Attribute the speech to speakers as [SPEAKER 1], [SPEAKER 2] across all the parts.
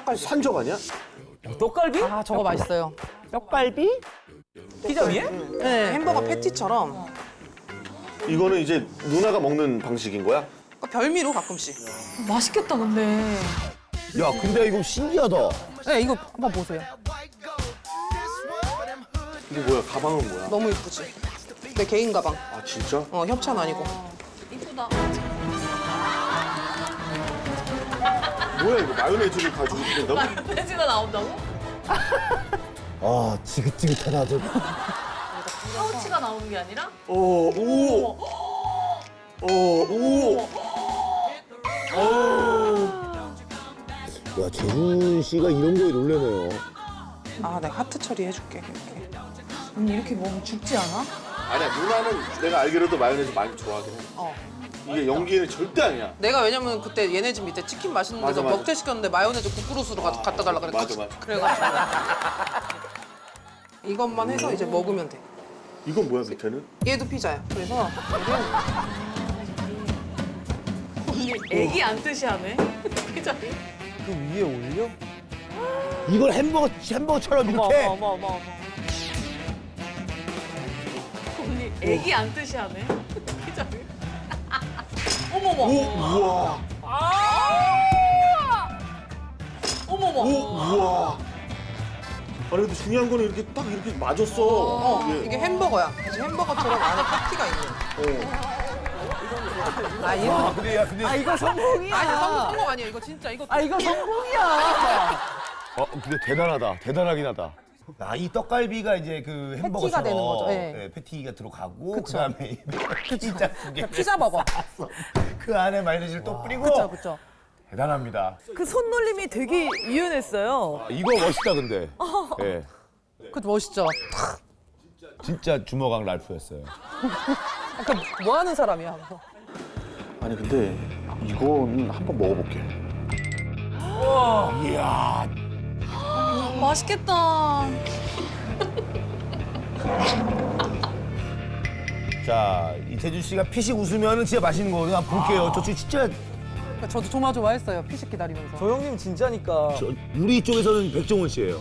[SPEAKER 1] 떡갈비. 산적 아니야?
[SPEAKER 2] 떡갈비?
[SPEAKER 3] 아 저거 맛있어요.
[SPEAKER 2] 떡갈비? 피자 위에?
[SPEAKER 3] 네.
[SPEAKER 4] 햄버거 패티처럼
[SPEAKER 1] 이거는 이제 누나가 먹는 방식인 거야?
[SPEAKER 4] 별미로 가끔씩.
[SPEAKER 5] 맛있겠다 근데.
[SPEAKER 6] 야, 근데 이거 신기하다.
[SPEAKER 3] 네 이거 한번 보세요.
[SPEAKER 1] 이게 뭐야? 가방은 뭐야?
[SPEAKER 4] 너무 이쁘지? 내 개인 가방.
[SPEAKER 1] 아 진짜?
[SPEAKER 4] 협찬 아니고.
[SPEAKER 5] 이쁘다.
[SPEAKER 1] 뭐야 이거 마요네즈를 가지고 있는다고?
[SPEAKER 5] 돼지가 나온다고?
[SPEAKER 6] 아, 지긋지긋하다. 저.
[SPEAKER 5] 파우치가 나오는 게 아니라?
[SPEAKER 1] 오.
[SPEAKER 6] 야, 재준 씨가 이런 거에 놀래네요.
[SPEAKER 4] 아 내가 하트 처리해줄게. 이렇게.
[SPEAKER 5] 언니 이렇게 먹으면 죽지 않아?
[SPEAKER 1] 아니야 누나는 내가 알기로도 마요네즈 많이 좋아하긴 해. 이게 연기는 절대 아니야.
[SPEAKER 4] 내가 왜냐면 그때 얘네 집 밑에 치킨 맛있는 데서
[SPEAKER 1] 맞아.
[SPEAKER 4] 먹태 시켰는데 마요네즈 국그릇으로 갖다 달라 그래.
[SPEAKER 1] 맞아.
[SPEAKER 4] 그래가지고 이것만 해서 이제 먹으면 돼.
[SPEAKER 1] 이건 뭐야 밑에는?
[SPEAKER 4] 얘도 피자야. 그래서
[SPEAKER 5] 언니 애기 안 뜻이 하네. 피자를.
[SPEAKER 2] 그 위에 올려?
[SPEAKER 6] 이걸 햄버거처럼 이렇게.
[SPEAKER 2] 어머.
[SPEAKER 5] 언니 애기 안 뜻이 하네. 피자를. 어머머.
[SPEAKER 1] 우와.
[SPEAKER 5] 어머머.
[SPEAKER 1] 우와. 아니 근데 중요한 거는 이렇게 딱 이렇게 맞았어.
[SPEAKER 4] 이게 햄버거야. 그래서 햄버거처럼 안에 패티가 있는. 아 이거
[SPEAKER 6] 근데
[SPEAKER 3] 이거 성공이야.
[SPEAKER 4] 아니 성공 아니야. 이거 진짜 이거.
[SPEAKER 3] 이거 성공이야.
[SPEAKER 6] 근데 대단하다. 대단하긴 하다. 아, 이 떡갈비가 이제 그 햄버거처럼
[SPEAKER 3] 되는 거죠, 예.
[SPEAKER 6] 예, 패티가 들어가고
[SPEAKER 3] 그쵸.
[SPEAKER 6] 그다음에 이 피자 두 개.
[SPEAKER 3] 피자 버거.
[SPEAKER 6] 그 안에 마요네즈를 또 뿌리고.
[SPEAKER 3] 그쵸.
[SPEAKER 6] 대단합니다.
[SPEAKER 7] 그 손놀림이 되게 유연했어요.
[SPEAKER 6] 이거 멋있다 근데. 예.
[SPEAKER 3] 그쵸 멋있죠.
[SPEAKER 6] 진짜 주먹왕 랄프였어요.
[SPEAKER 3] 뭐 하는 사람이야.
[SPEAKER 1] 아니 근데 이거는 한번 먹어볼게.
[SPEAKER 6] 이야.
[SPEAKER 5] 맛있겠다.
[SPEAKER 6] 자, 이태준 씨가 피식 웃으면 진짜 맛있는 거거든요. 한번 볼게요. 저 진짜
[SPEAKER 3] 저도 정말 좋아했어요. 피식 기다리면서.
[SPEAKER 2] 저 형님 진짜니까.
[SPEAKER 6] 우리 쪽에서는 백종원 씨예요.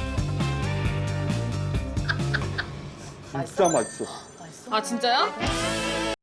[SPEAKER 1] 진짜 맛있어.
[SPEAKER 5] 아 진짜요?